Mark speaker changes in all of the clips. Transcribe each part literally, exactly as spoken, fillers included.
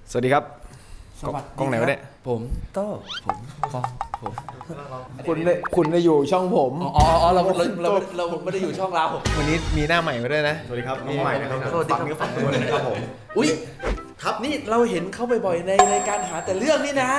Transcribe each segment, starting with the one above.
Speaker 1: สวัสดีครับ
Speaker 2: สวัสดี
Speaker 1: กล้องไหนวะเนี่ย
Speaker 2: ผมโต้ผมฟองผม
Speaker 1: คุณได้คุณได้อยู่ช่องผม
Speaker 2: อ๋ออ๋อเราเราเราเราไม่ได้อยู่ช่องเรา
Speaker 1: วันนี้มีหน้าใหม่มาด้วยนะ
Speaker 3: สวัสดีครับน้องใหม่นะครับ
Speaker 2: สวัสดีครับ
Speaker 3: ฝากเนื้อฝากตัวเลยนะครับผม
Speaker 2: อุ้ยครับนี่เราเห็นเขาบ่อยๆในรายการหาแต่เรื่องนี่นะ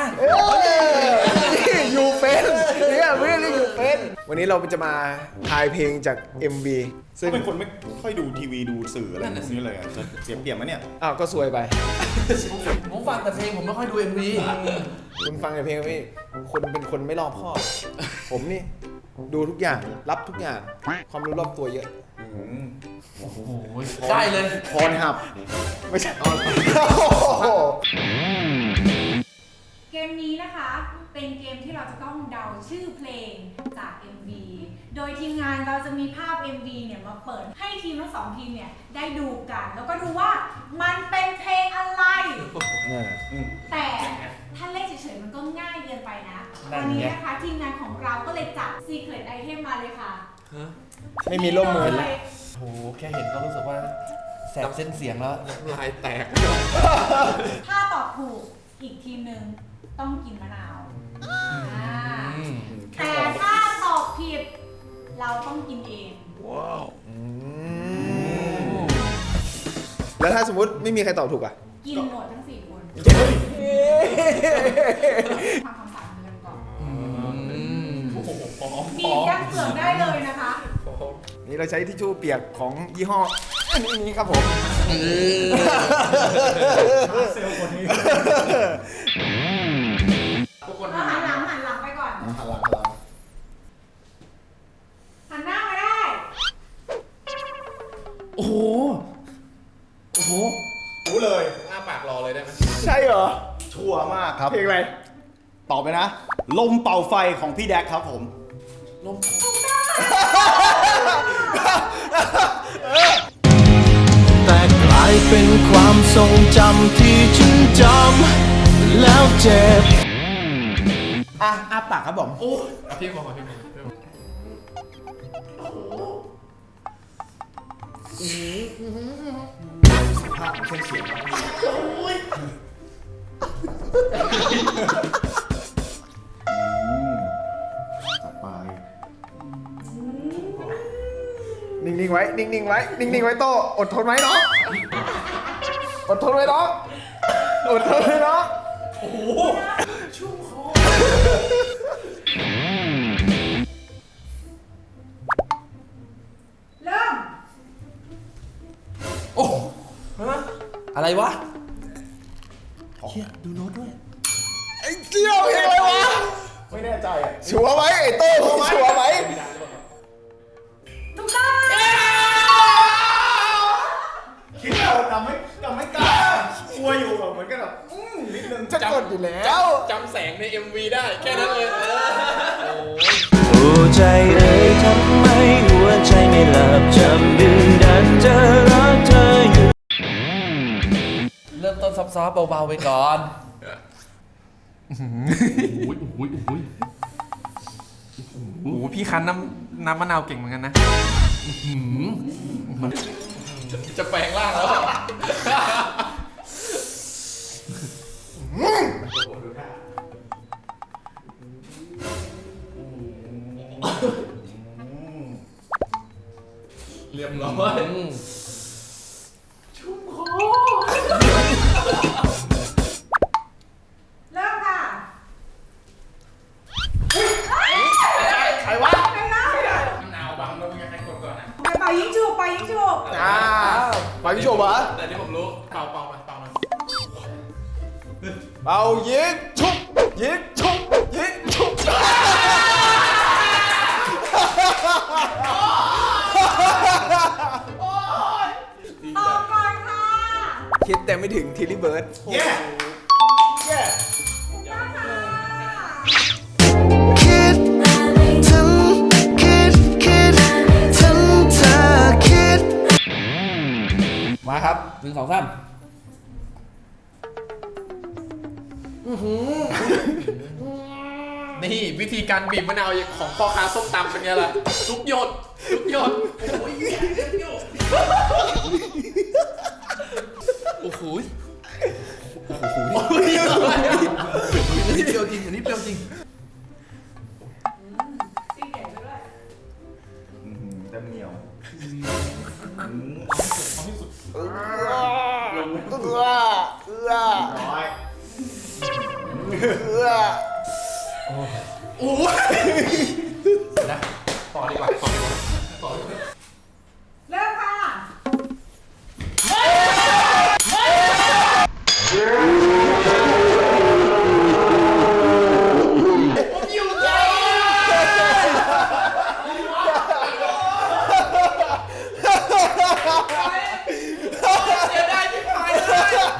Speaker 1: อยู่เป็นเนี่ยเรื่องนี้อยู่เป็นวันนี้เราจะมาทายเพลงจาก เอ็ม วี ซึ่ง
Speaker 3: ก็เป็นคนไม่ค่อยดูทีวีดูสื่ออะไรพวกนี้เลยอะจะเสียเปรียบไหมเนี่ย
Speaker 1: อ้าวก็ซวยไป
Speaker 2: ผมฟังแต่เพลงผมไม่ค่อยดูเอ็มวี
Speaker 1: คุณฟังแต่เพลงพี่คุณเป็นคนไม่รอบคอบ ผมนี่ดูทุกอย่างรับทุกอย่างความรู้รอบตัวเยอะ
Speaker 2: โอ้โหได้เลย
Speaker 3: พรหับ
Speaker 1: ไม่ใช่
Speaker 4: เกมนี้นะคะเป็นเกมที่เราจะต้องเดาชื่อเพลงจาก เอ็ม วี โดยทีมงานเราจะมีภาพ เอ็ม วี เนี่ยมาเปิดให้ทีมทั้งสองทีมเนี่ยได้ดูกัน แล้วก็ดูว่ามันเป็นเพลงอะไร แต่ถ้าเล่นเฉยๆมันก็ง่ายเกินไปนะวันนี้นะคะทีมงานของเราก็เลยจัด Secret Item มาเลยค่ะ
Speaker 1: ไม่มีร่มมือ
Speaker 4: เลย
Speaker 2: โอ้โหแค่เห็นก็รู้สึกว่าแสบเส้นเสียงแล้ว
Speaker 5: ลายแตก
Speaker 4: ถ้าตอบถูกอีกทีมหนึ่งต้องกินมะนาวอ่าแต่ถ้าตอบผิดเราต้องกินเอง
Speaker 1: แล้วถ้าสมมติไม่มีใครตอบถูกอ่ะ
Speaker 4: กินหมดทั้งสี่คนทำความสะอาดมือกันก่อนบีบยัดเปลือกได้เลยนะคะ
Speaker 1: นี่เราใช้ทิชชู่เปียกของยี่ห้ออันนี้ครับผม
Speaker 3: เซลล์คนนี้
Speaker 5: ทุกคน
Speaker 4: แล้วหันหลังหันหลังไปก่อน
Speaker 3: หันหลังหันหลัง
Speaker 4: หันหน้ามาได้
Speaker 2: โอ้โหโอ้โห
Speaker 3: รู้เลย
Speaker 5: อ้าปากรอเลยได้ไหม
Speaker 1: ใช่เหรอ
Speaker 3: ชัวร์มากครับ
Speaker 1: เพลงอะไร
Speaker 3: ตอบไปนะ ลมเป่าไฟของพี่แดกครับผม
Speaker 2: ลม
Speaker 6: แต่กลายเป็นความทรงจำที่ฉันจำแล้วเจ็บ
Speaker 1: อ่ะอาปากครับผม
Speaker 2: โอ้
Speaker 5: เอาพี่บอกมาพี่บอกพี่บอก
Speaker 3: ภาพของเส้นเสียงจัดไป
Speaker 1: นิ่งๆไว้ นิ่งๆไว้ นิ่งๆไว้โตอดทนไว้น้อง อดทนไว้น้อง อดทนไว้น้อง
Speaker 4: เริ่ม
Speaker 2: โอ้ฮะอะไรวะเชี่ยดูโน้ตด้วย
Speaker 1: ไอ้เกี้ยวเพลงอะไรวะ
Speaker 3: ไม่แน่ใจอ่ะ
Speaker 1: ชัวร์ไหมไอ้โต้ชัวร์ไหม
Speaker 4: ถูกต้อง
Speaker 3: คิดเราจำไม่จำไม่กล้ากลัวอยู่แบบเหมือนกันแบบอืมนิดนึง
Speaker 1: จะกดอยู่แล้ว
Speaker 5: จำแสงใน เอ็ม วี ได้แค่นั้นเลยเออ
Speaker 6: หัวใจเอ่ยทำไมหัวใจไม่หลับจำดึงดันจะรักเธออยู่
Speaker 2: เริ่มต้นซอฟต์ๆเบาๆไปก่อน
Speaker 5: โอ้ยโอ้ยโอ้ยโอ้โหพี่คั้นน้ำน้ำมะนาวเก่งเหมือนกันนะจะแปลงร่างแล้ว เรียบร้อย
Speaker 4: เริ่มค่ะ
Speaker 1: ใครวะ
Speaker 4: ไปแล้ว
Speaker 5: มะนาวบังแล้วมึงจะใครกดก่อนนะ
Speaker 4: ไปเป่ายิงจูบไปยิงจูบ
Speaker 1: อ่าไปพี่โชว์วะ
Speaker 5: แต่ที่ผมรู้เป่าเป่ามาเป่ามา
Speaker 1: เอายิงชุบยิงชุบยิงชุบ
Speaker 4: ตอบก่อนค่ะ
Speaker 1: คิดแต่ไม่ถึงทิลลี่เบิร์ด
Speaker 3: เย้เย้
Speaker 6: คิดถึงคิดคิดถึงเธอคิด
Speaker 1: มาครับ
Speaker 2: หนึ่งสองสาม
Speaker 5: นี่วิธีการบีบมะนาวของพ่อค้าส้มตำเป็นไงล่ะทุกหยดทุกหยดโอ้ยทุกหยด
Speaker 2: โอ้โห
Speaker 5: โ
Speaker 2: โอ้โหนี่อันนี้เปรี้ยวจริงอันนี้เปรี้ยวจริง
Speaker 4: ซีเด็ดไปด้วย
Speaker 3: เต็มเหนียว
Speaker 1: เอื้อเอื้อเอื้อ
Speaker 3: น้อย
Speaker 1: เอื้อ
Speaker 5: โอ้ยนะต่อดีกว่าต่อดีกว่าต่อดีกว่า
Speaker 4: เริ่มค่ะ
Speaker 5: ผมอยู่ใจเสียดายที่ผ่านเลย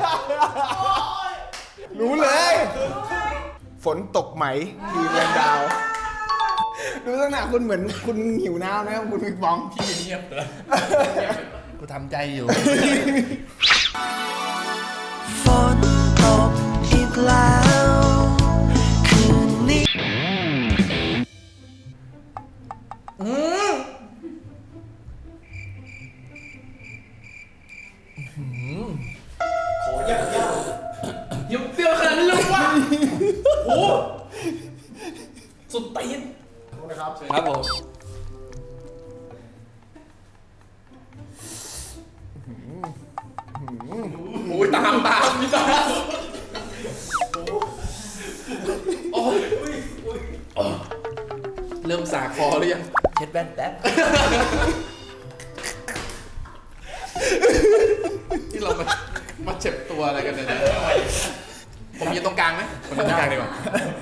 Speaker 1: รู้เลย ฝนตกไหมทีมแรงดาว ดูลักษณะคุณเหมือนคุณหิวน้ำนะครับคุณบิ๊กบอง
Speaker 5: พี่เงียบเลย
Speaker 2: กูทำใจอยู่
Speaker 6: ฝนตกอีกแล้วคืนนี้
Speaker 2: อืม
Speaker 3: ขอยากยาก
Speaker 5: ยังเปรี้ยวขนาดนี้เลยวะโอ้โหสุดตีน
Speaker 3: นะครับ
Speaker 2: ครับผม
Speaker 5: โอ้ยตามตามนี่ตามโอ้ยโอ้ยเริ่มสาคอหรือยัง
Speaker 2: เช็ดแว่นแป๊บ
Speaker 5: ที่เรามามาเจ็บตัวอะไรกันเนี่ยนะผมยืนตรงกลางไหมผมยืนตรงกลางดีกว่า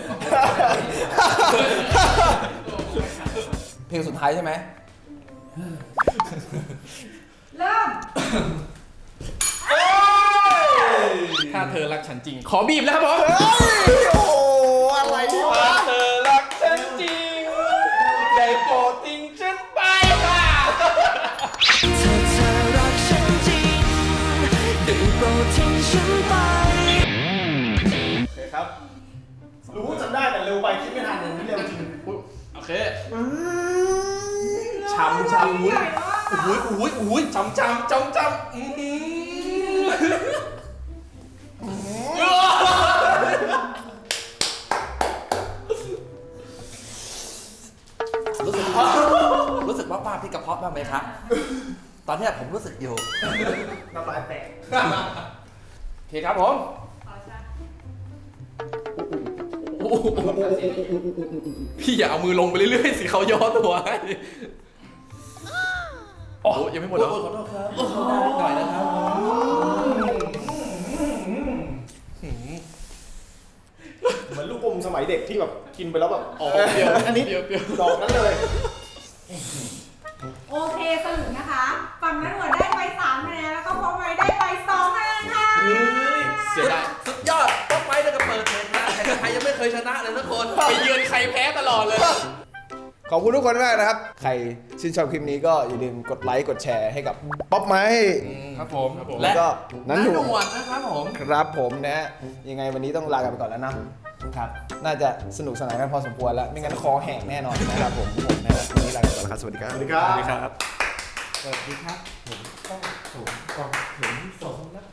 Speaker 2: เพลงสุดท้ายใช่ไหม
Speaker 4: เริ่ม
Speaker 5: ถ้าเธอรักฉันจริง ขอบีบแล้วครับผม
Speaker 1: โอ้โหอะไรที่วะ
Speaker 5: เธอรักฉันจริง ได้โปรดทิ้งฉันไปค่ะ
Speaker 6: ถ้าเธอรักฉันจริงได้โปรดทิ้งฉันไป
Speaker 3: โอเคครับ รู้จำได้แต่เร็วไปคิดไม่ทันอย่างนี้เร็วจริง
Speaker 5: โอเคช้ำช้ำอุ้ยอุ้ยอุ้ยอุ้ยช้ำช้ำช้ำช้ำอื้อหือ
Speaker 2: รู้สึก รู้สึกว่าป้าพี่กระเพาะบ้างไหมครับ ตอนเนี้ยผมรู้สึกอยู่
Speaker 3: น้ำลายแตก
Speaker 2: โอเคครับผม
Speaker 4: ขอช้า
Speaker 5: พี่อย่าเอามือลงไปเรื่อยๆสิเขาย่อตัวให้โอ้ยังไม่หมดแล้ว
Speaker 2: ขอโทษครับขอโทษนิดหน่อยนะครับ
Speaker 3: เหมือนลูกอมสมัยเด็กที่แบบกินไปแล้วแบบ
Speaker 5: อ๋อเปรี้ยว
Speaker 3: อันนี้
Speaker 5: เปรี้ยวเปรี้ยว
Speaker 3: ดอกนั้นเลย
Speaker 4: โอเคสรุปนะคะ ฝั่งนั้นหัวได้ไปสามคะแนนแล้วก็พอไว้ได้ไปสองคะแนนค่ะ
Speaker 5: เสียดาย
Speaker 2: สุดยอดป๊อปไม้แล้วก็เปิดเพลงนะใครยังไม่เคยชนะเลยทุกคน
Speaker 5: ไปเยือนใครแพ้ตลอดเลย
Speaker 1: ขอบคุณทุกคนมากนะครับ ใครชื่นชอบคลิปนี้ก็อย่าลืมกดไลค์กดแชร์ให้กับป๊อปไม้
Speaker 5: ครับผม
Speaker 1: และ
Speaker 2: และ
Speaker 1: ก็นันห
Speaker 2: หน
Speaker 1: นุ่ม
Speaker 2: วดนะครับผม
Speaker 1: ครับผมนะฮะยังไงวันนี้ต้องลากันไปก่อนแล้วนะครับ น่าจะสนุกสนานกันพอสมควรแล้ว ไม่งั้นคอแห้งแน่นอนนะครับผมผมนะฮะวันนี้ลากันไปก่อนแล้วครับสวัสดีครับ
Speaker 3: สวัสดีครับ
Speaker 5: สวัสดีครับ
Speaker 2: สวัสดีครับ ผมต้องถูกกองถึงสองนะ